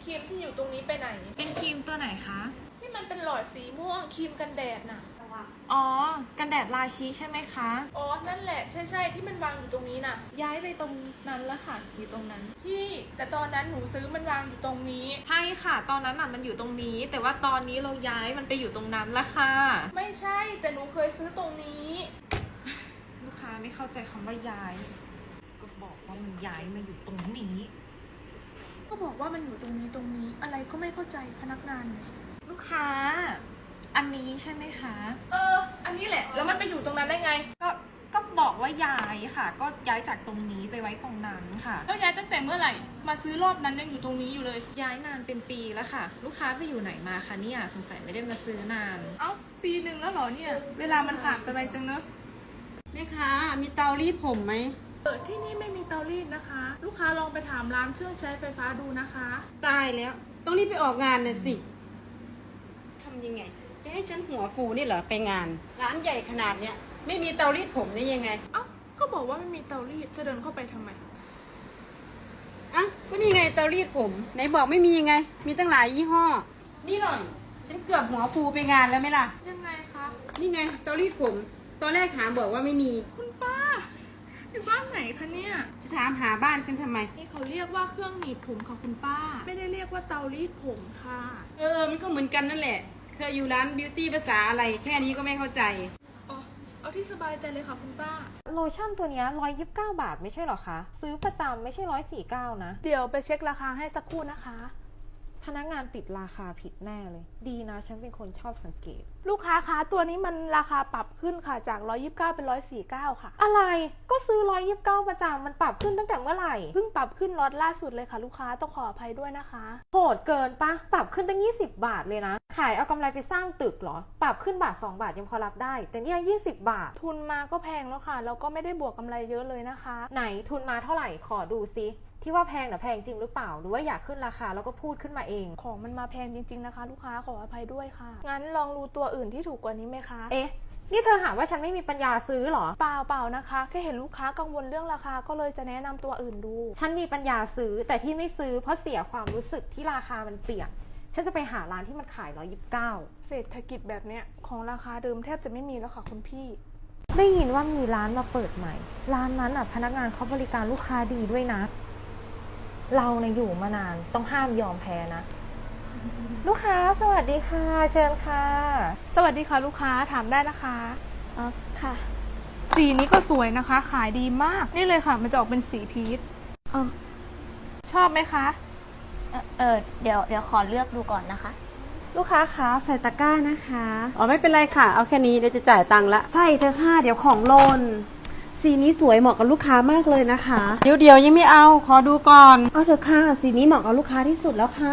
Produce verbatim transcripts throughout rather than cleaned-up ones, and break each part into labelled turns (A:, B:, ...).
A: ครีมที่อยู่ตรงนี้ไปไหน
B: เป็นครีมตัวไหนคะ
A: ที่มันเป็นหลอดสีม่วงครีมกันแดดน่ะ
B: อ๋อกันแดดราชิใช่ไหมคะ
A: อ๋อนั่นแหละใช่ใช่ที่มันวางอยู่ตรงนี้น่ะ
B: ย้ายไปตรงนั้นแล้วค่ะอยู่ตรงนั้น
A: พี่แต่ตอนนั้นหนูซื้อมันวางอยู่ตรงนี้
B: ใช่ค่ะตอนนั้นน่ะมันอยู่ตรงนี้ แต่ว่าตอนนี้เราย้ายมันไปอยู่ตรงนั้นแล้วค่ะ
A: ไม่ใช่แต่หนูเคยซื้อตรงนี้
B: ลูกค้าไม่เข้าใจคำว่าย้ายก็บอกว่ามันย้ายมาอยู่ตรงนี้
A: ก็บอกว่ามันอยู่ตรงนี้ตรงนี้อะไรก็ไม่เข้าใจพนักงานเลย
B: ลูกค้าอันนี้ใช่ไหมคะ
A: เอออันนี้แหละแล้วมันไปอยู่ตรงนั้นได้ไง
B: ก็ก็บอกว่าย้ายค่ะก็ย้ายจากตรงนี้ไปไว้ตรงนั้นค่ะ
A: แล้วย้ายตั้งแต่เมื่อไหร่มาซื้อรอบนั้นยังอยู่ตรงนี้อยู่เลย
B: ย้ายนานเป็นปีแล้วค่ะลูกค้าไปอยู่ไหนมาคะเนี่ยสงสัยไม่ได้มาซื้อนาน
A: เอ้าปีหนึ่งแล้วเหรอเนี่ยเวลามันผ่านไปไวจังเนอะ
C: แม่ค้ามีเตารีดผมไหม
A: เออที่นี่ไม่มีเตารีดนะคะลูกค้าลองไปถามร้านเครื่องใช้ไฟฟ้าดูนะคะ
C: ตายแล้วต้องรีบไปออกงานน่ะสิทำยังไงจะให้ฉันหัวฟูนี่เหรอไปงานร้านใหญ่ขนาดเนี้ยไม่มีเตารีดผมได้ยังไง
A: เอ้าก็บอกว่าไม่มีเตารีดจะเดินเข้าไปทำไม
C: อ่ะก็นี่ไงเตารีดผมไหนบอกไม่มียังไงมีตั้งหลายยี่ห้อนี่หล่อนฉันเกือบหัวฟูไปงานแล้วไหมล่ะ
A: ยังไงคะ
C: นี่ไงเตารีดผมตอนแรกถามบอกว่าไม่มี
A: คุณป้าอยู่บ้านไหนคะเนี่ย
C: จะถามหาบ้านฉันทำไม
A: นี่เขาเรียกว่าเครื่องหนีบผมค่ะคุณป้าไม่ได้เรียกว่าเตารีดผมค่ะ
C: เออมันก็เหมือนกันนั่นแหละเธออยู่ร้านบิวตี้ภาษาอะไรแค่นี้ก็ไม่เข้าใจ
A: อ๋อเอาที่สบายใจเลยค่ะคุณป้า
B: โลชั่นตัวนี้ร้อยยี่สิบเก้าบาทไม่ใช่หรอคะซื้อประจำไม่ใช่ร้อยสี่เก้านะ
A: เดี๋ยวไปเช็คราคาให้สักครู่นะคะ
B: พนักงานติดราคาผิดแน่เลยดีนะฉันเป็นคนชอบสังเกต
A: ลูกค้าคะตัวนี้มันราคาปรับขึ้นค่ะจากหนึ่งร้อยยี่สิบเก้าเป็นหนึ่งร้อยสี่สิบเก้าค่ะ
B: อะไรก็ซื้อหนึ่งร้อยยี่สิบเก้าประจำมันปรับขึ้นตั้งแต่เมื่อไหร่
A: เพิ่งปรับขึ้นล็อตล่าสุดเลยค่ะลูกค้าต้องขออภัยด้วยนะคะ
B: โหดเกินปะปรับขึ้นตั้งยี่สิบบาทเลยนะขายเอากำไรไปสร้างตึกเหรอปรับขึ้นบาทสองบาทยังพอรับได้แต่เนี่ยยี่สิบบาท
A: ทุนมาก็แพงแล้วค่ะแล้วก็ไม่ได้บวกกำไรเยอะเลยนะคะ
B: ไหนทุนมาเท่าไหร่ขอดูซิที่ว่าแพงน่ะแพงจริงหรือเปล่าหรือว่าอยากขึ้นราคาแล้วก็พูดขึ้นมาเอง
A: ของมันมาแพงจริงๆนะคะลูกค้าขออภัยด้วยค่ะงั้นลองดูตัวอื่นที่ถูกกว่านี้ไหมคะ
B: เอ๊ะนี่เธอหาว่าฉันไม่มีปัญญาซื้อหรอ
A: เปล่าเปล่านะคะแค่เห็นลูกค้ากังวลเรื่องราคาก็เลยจะแนะนำตัวอื่นดู
B: ฉันมีปัญญาซื้อแต่ที่ไม่ซื้อเพราะเสียความรู้สึกที่ราคามันเปลี่ยนฉันจะไปหาร้านที่มันขายหนึ่งร้อยยี่สิบเก้า
A: เศรษฐกิจแบบเนี้ยของราคาเดิมแทบจะไม่มีแล้วค่ะคุณพี่
B: ได้ยินว่ามีร้านมาเปิดใหม่ร้านนั้นอ่ะพนักงานเขาบริการลูกค้าดีด้วยนะเราเนี่ยอยู่มานานต้องห้ามยอมแพ้นะลูกค้าสวัสดีค่ะเชิญค่ะ
A: สวัสดีค่ะลูกค้าถามได้นะคะ
B: อ๋อค่ะ
A: สีนี้ก็สวยนะคะขายดีมากนี่เลยค่ะมันจะออกเป็นสีพีช
B: อ๋อ
A: ชอบไหมคะ
B: เออเออเดี๋ยวเดี๋ยวขอเลือกดูก่อนนะคะลูกค้าคะใส่ตะกร้านะคะ
C: อ๋อไม่เป็นไรค่ะเอาแค่นี้เดี๋ยวจะจ่ายตังค์ละ
B: ใส่เถอะค่ะเดี๋ยวของหล่นสีนี้สวยเหมาะกับลูกค้ามากเลยนะคะ
C: เดี๋ยวเดี๋ยวยังไม่เอาขอดูก่อน
B: เอาเถอะค่ะสีนี้เหมาะกับลูกค้าที่สุดแล้วค่ะ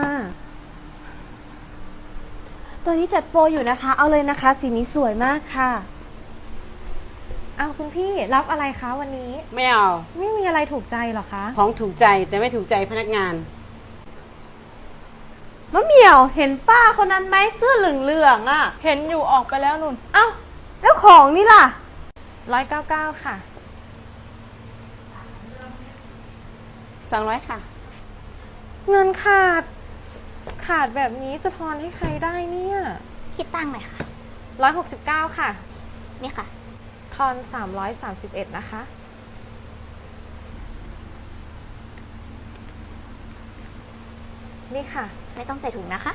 B: ตัวนี้จัดโปรอยู่นะคะเอาเลยนะคะสีนี้สวยมากค่ะเอาคุณพี่รับอะไรคะวันนี้
C: ไม่เอา
B: ไม่มีอะไรถูกใจหรอคะ
C: ของถูกใจแต่ไม่ถูกใจพนักงาน
B: มะเหมี่ยวเห็นป้าคนนั้นไหมเสื้อเหลืองๆอ่ะ
A: เห็นอยู่ออกไปแล้วนุ่น
B: เอ้าแล้วของนี่ล่ะร้อยเก้าเก้าค่ะ
C: สองร้อยค่ะ
B: เงินขาดขาดแบบนี้จะทอนให้ใครได้เนี่ย
D: คิดตั้งหน่อยค่ะ
B: ร้อยหกสิบเก้าค่ะ
D: นี่ค่ะ
B: ทอนสามร้อยสามสิบเอ็ดนะคะนี่ค่ะ
D: ไม่ต้องใส่ถุงนะคะ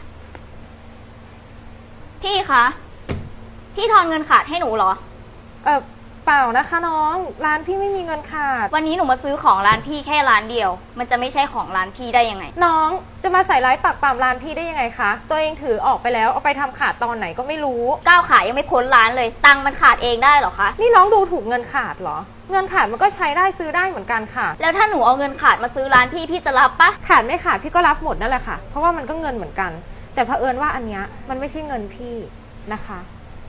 D: พี่คะพี่ทอนเงินขาดให้หนูเหรอ
B: เออเปล่านะคะน้องร้านพี่ไม่มีเงินขาด
D: วันนี้หนูมาซื้อของร้านพี่แค่ร้านเดียวมันจะไม่ใช่ของร้านพี่ได้ยังไง
B: น้องจะมาใส่ร้ายปากปามร้านพี่ได้ยังไงคะตัวเองถือออกไปแล้วเอาไปทำขาดตอนไหนก็ไม่รู้
D: ก้าวขายยังไม่พ้นร้านเลยตังค์มันขาดเองได้เหรอคะ
B: นี่น้องดูถูกเงินขาดเหรอเงินขาดมันก็ใช้ได้ซื้อได้เหมือนกันค่ะ
D: แล้วถ้าหนูเอาเงินขาดมาซื้อร้านพี่พี่จะรับปะ
B: ขาดไม่ขาดพี่ก็รับหมดนั่นแหละค่ะเพราะว่ามันก็เงินเหมือนกันแต่เผอิญว่าอันเนี้ยมันไม่ใช่เงินพี่นะคะ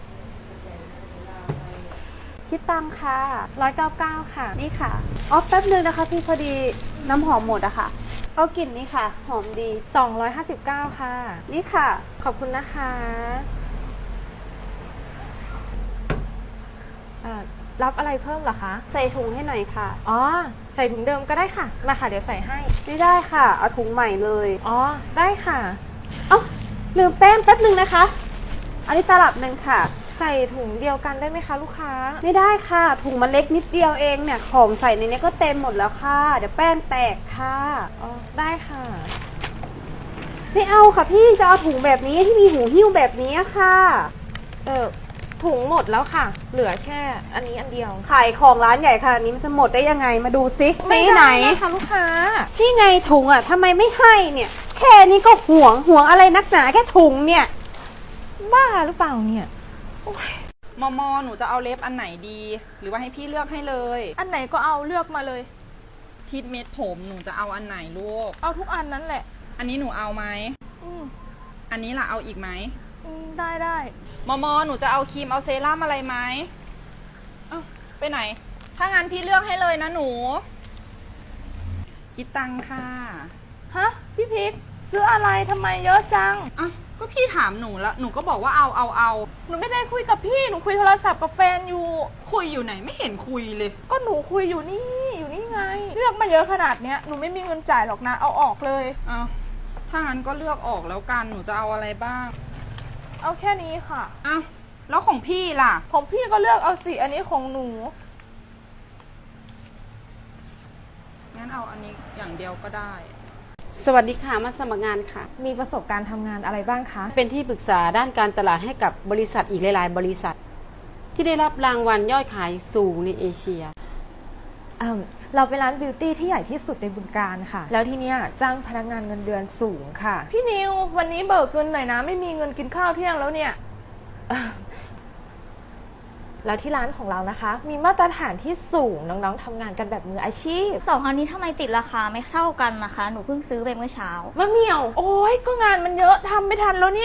B: คิดตังค่ะร้อยเก้าเก้าค่ะ
C: นี่ค่ะอ๋อแป๊บนึงนะคะพี่พอดีน้ำหอมหมดอะค่ะเอากลิ่นนี้ค่ะหอมดี
B: สองร้อยห้าสิบเก้าค่ะ
C: นี่ค่ะ
B: ขอบคุณนะคะอ่ารับอะไรเพิ่มเหรอคะ
E: ใส่ถุงให้หน่อยค่ะ
B: อ๋อ ใส่ถุงเดิมก็ได้ค่ะ มาค่ะเดี๋ยวใส่ให้
E: ไม่ได้ค่ะ เอาถุงใหม่เลย
B: อ๋อ ได้ค่ะ
E: เอ้าลืมแป้งแป๊บนึงนะคะ อันนี้ตลับหนึ่งค่ะ
B: ใส่ถุงเดียวกันได้ไหมคะลูกค้า
E: ไม่ได้ค่ะ ถุงมันเล็กนิดเดียวเองเนี่ย ของใส่ในนี้ก็เต็มหมดแล้วค่ะ เดี๋ยวแป้งแตกค่ะ
B: อ๋อ ได้ค่ะ
E: ไม่เอาค่ะพี่ จะเอาถุงแบบนี้ที่มีหูหิ้วแบบนี้ค่ะ
B: เออถุงหมดแล้วค่ะ เหลือแค่อันนี้อันเดียว
E: ขายของร้านใหญ่ขนาดนี้มันจะหมดได้ยังไง มาดูซิซีไหน
B: ม่ด้นะคะลูกค้า
E: นี่ไงถุงอ่ะทำไมไม่ให้เนี่ย แค่นี้ก็ห่วงห่วงอะไรนักหนาแค่ถุงเนี่ย
B: บ้าหรือเปล่าเนี่ย
F: มอมอหนูจะเอาเล็บอันไหนดี หรือว่าให้พี่เลือกให้เลย
A: อันไหนก็เอาเลือกมาเลย
F: ทิดเม็ดผมหนูจะเอาอันไหนลูก
A: เอาทุกอันนั้นแหละ
F: อันนี้หนูเอาไหม
A: อืม
F: อันนี้ล่ะเอาอีกไหม
A: อืมได้ได้
F: มอมอหนูจะเอาครีมเอาเซรั่มอะไรไหมเอ้าไปไหน ถ้างั้นพี่เลือกให้เลยนะหนู คิดตังค่ะ
A: ฮะ พี่พิกซื้ออะไรทำไมเยอะจัง
F: อ่ะก็พี่ถามหนูแล้วหนูก็บอกว่าเอาเอาเอา
A: หนูไม่ได้คุยกับพี่ หนูคุยโทรศัพท์กับแฟนอยู่
F: คุยอยู่ไหนไม่เห็นคุยเลย
A: ก็หนูคุยอยู่นี่ อยู่นี่ไง เลือกมาเยอะขนาดเนี้ย หนูไม่มีเงินจ่ายหรอกนะ เอาออกเลย
F: เอาถ้างั้นก็เลือกออกแล้วกันหนูจะเอาอะไรบ้าง
A: เอาแค่นี้ค่ะ
F: อ้าวแล้วของพี่ล่ะ
A: ของพี่ก็เลือกเอาสิอันนี้ของหนู
F: งั้นเอาอันนี้อย่างเดียวก็ได้
C: สวัสดีค่ะ มาสมัครงานค่ะ
B: มีประสบการณ์ทำงานอะไรบ้างคะ
C: เป็นที่ปรึกษาด้านการตลาดให้กับบริษัทอีกหลาย ๆ บริษัท ที่ได้รับรางวัลยอดขายสูงในเอเชีย
B: เอิ่มเราเป็นร้านบิวตี้ที่ใหญ่ที่สุดในบึงการค่ะ แล้วที่เนี้ยจ้างพนักงานเงินเดือนสูงค่ะ
A: พี่นิว วันนี้เบิกเงินหน่อยนะ ไม่มีเงินกินข้าวเที่ยงแล้วเนี่ย
B: แล้วที่ร้านของเรานะคะ มีมาตรฐานที่สูงน้องๆทำงานกันแบบมืออาชีพ
D: สองอันนี้ทำไมติดราคาไม่เท่ากันนะคะ หนูเพิ่งซื้อไปเมื่อเช้า
B: มะเหมี่ยว
A: โอ้ยก็งานมันเยอะทำไม่ทันแล้วเนี่ย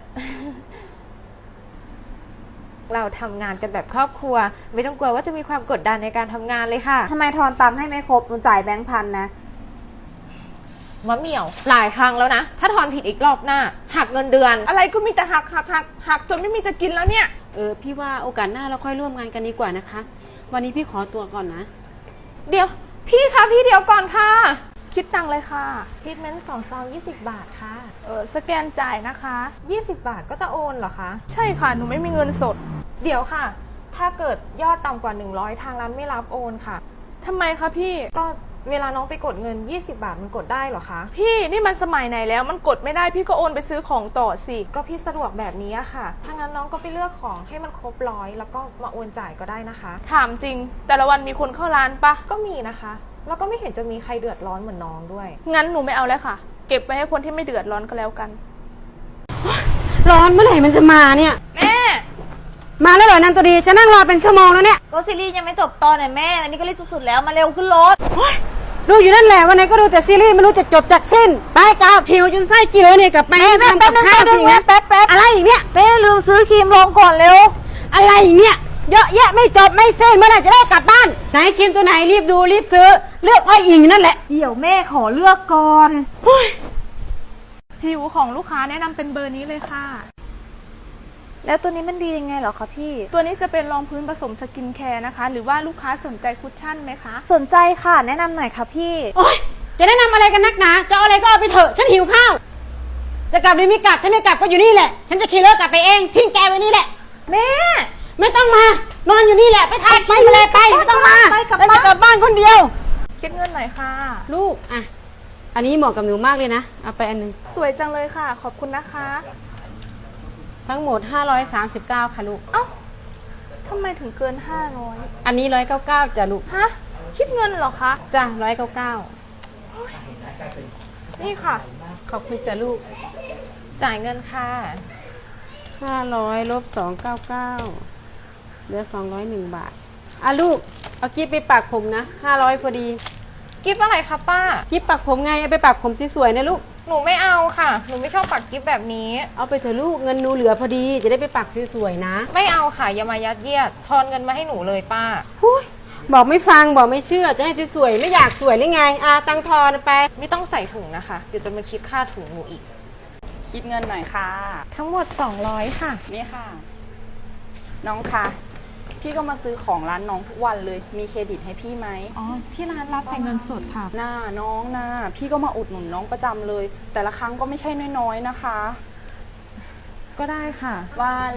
B: เราทำงานกันแบบครอบครัว ไม่ต้องกลัวว่าจะมีความกดดันในการทำงานเลยค่ะ
E: ทำไมทอนตังค์ให้ไม่ครบมันจ่ายแบงค์พันนะ
B: มะเหมี่ยว หลายครั้งแล้วนะ ถ้าทอนผิดอีกรอบหน้า หักเงินเดือน
A: อะไรก็มีแต่หักหักหักหักจนไม่มีจะกินแล้วเนี่ย
C: เออพี่ว่าโอกาสหน้าเราค่อยร่วมงานกันดีกว่านะคะ วันนี้พี่ขอตัวก่อนนะ
B: เดี๋ยว พี่คะพี่เดี๋ยวก่อนค่ะ
A: คิดตังค์เลยค่ะ
B: ทรีทเมนต์สองซองยี่สิบบาทค่ะ
A: เออสแกนจ่ายนะคะ
B: ยี่สิบบาทก็จะโอนเหรอคะ
A: ใช่ค่ะ หนูไม่มีเงินสด
B: เดี๋ยวค่ะ ถ้าเกิดยอดต่ำกว่าหนึ่งร้อยทางร้านไม่รับโอนค่ะ
A: ทำไมคะพี่
B: ก็เวลาน้องไปกดเงินยี่สิบบาทมันกดได้เหรอคะ
A: พี่นี่มันสมัยไหนแล้ว มันกดไม่ได้พี่ก็โอนไปซื้อของต่อสิ
B: ก็พี่สะดวกแบบนี้อะค่ะ ถ้างั้นน้องก็ไปเลือกของให้มันครบร้อยแล้วก็มาโอนจ่ายก็ได้นะคะ
A: ถามจริง แต่ละวันมีคนเข้าร้านปะ
B: ก็มีนะคะ แล้วก็ไม่เห็นจะมีใครเดือดร้อนเหมือนน้องด้วย
A: งั้นหนูไม่เอาแล้วค่ะ เก็บไว้ให้คนที่ไม่เดือดร้อนก็แล้วกัน
C: ร้อนเมื่อไหร่มันจะมาเนี่ย
A: แม่
C: มาแล้วเหรอนันตัวดีจะนั่งรอเป็นชั่วโมงแล้วเนี่ย
D: ก็ซีรีส์ยังไม่จบตอนไหนแม่ อันนี้ก็รีบสุดๆแล้วมาเร็วขึ้นรถ
C: ดูอยู่นั่นแหละวันไหนก็ดูแต่ซีรีส์ไม่รู้จะจบจากสิ้น ไปกาวผิวจนไส้กินเลยเนี่ยกลับไปทำกับข้าวสิงั้นแป๊บแป๊บอะไรอีกเนี่ย
D: เป้ลืมซื้อครีมลงก่อนเร็ว
C: อะไรอีกเนี่ยเยอะแยะไม่จบไม่สิ้นเมื่อไหร่จะได้กลับบ้านไหนครีมตัวไหนรีบดูรีบซื้อเลือกอ้อยอิงนั่นแหละ
E: เดี๋ยวแม่ขอเลือกก่อน
A: ผิวของลูกค้าแนะนำเป็นเบอร์นี้เลยค่ะ
E: แล้วตัวนี้มันดียังไงเหรอคะพี่
A: ตัวนี้จะเป็นรองพื้นผสมสกินแคร์นะคะ หรือว่าลูกค้าสนใจคุชชั่นไหมคะ
E: สนใจค่ะ แนะนำหน่อยค่ะพี่
C: โอ๊ยจะแนะนำอะไรกันนักหนาจะเอาอะไรก็เอาไปเถอะฉันหิวข้าวจะกลับหรือไม่กลับถ้าไม่กลับก็อยู่นี่แหละฉันจะขี่รถกลับไปเองทิ้งแกไว้นี่แหละ
E: แม่
C: ไม่ต้องมานอนอยู่นี่แหละไปทานกินอะไรไปไม่ต้องมา
E: ไปกลับ
C: แล้ว
E: บ้าน
C: จะกลับบ้านคนเดียว
A: คิดเงินหน่อยค่ะ
C: ลูกอ่ะอันนี้เหมาะกับหนูมากเลยนะเอาไปอันหนึง
A: สวยจังเลยค่ะ ขอบคุณนะคะ
C: ทั้งหมดห้าร้อยสามสิบเก้าค่ะลูก
A: เอ้าทำไมถึงเกินห้าร้อย
C: อันนี้หนึ่งร้อยเก้าสิบเก้าจ้ะลูก
A: ฮะ คิดเงินเหรอคะ
C: จ้ะหนึ่งร้อยเก้าสิบเก้า
A: นี่ค่ะ
C: ขอบคุณจ้ะลูก
B: จ่ายเงินค่ะ
C: ห้าร้อยลบสองร้อยเก้าสิบเก้าเหลือสองร้อยหนึ่งบาทอ่ะลูกเอากิ๊บไปปักผมนะห้าร้อยพอดี
B: กิฟอะไรคะป้า
C: กิ๊บปักผมไงเอาไปปักผมสวยๆนะลูก
B: หนูไม่เอาค่ะ หนูไม่ชอบปักกิฟแบบนี้
C: เอาไปเถอะลูกเงินหนูเหลือพอดีจะได้ไปปักสวยๆนะ
B: ไม่เอาค่ะ อย่ามายัดเยียด ทอนเงินมาให้หนูเลยป้า
C: หุ้ยบอกไม่ฟังบอกไม่เชื่อจะให้สวยๆไม่อยากสวยหรือไงอาตังทอนไป
B: ไม่ต้องใส่ถุงนะคะ เดี๋ยวจะมาคิดค่าถุงหนูอีก
F: คิดเงินหน่อยค่ะ
B: ทั้งหมดสองร้อยค่ะ
F: นี่ค่ะ น้องคะพี่ก็มาซื้อของร้านน้องทุกวันเลย มีเครดิตให้พี่ไหม
B: อ๋อ ที่ร้านรับแต่เงินสดค่ะ
F: หน้าน้องหน้าพี่ก็มาอุดหนุนน้องประจำเลย แต่ละครั้งก็ไม่ใช่น้อยๆนะคะ
B: ก็ได้ค่ะ
F: ว่า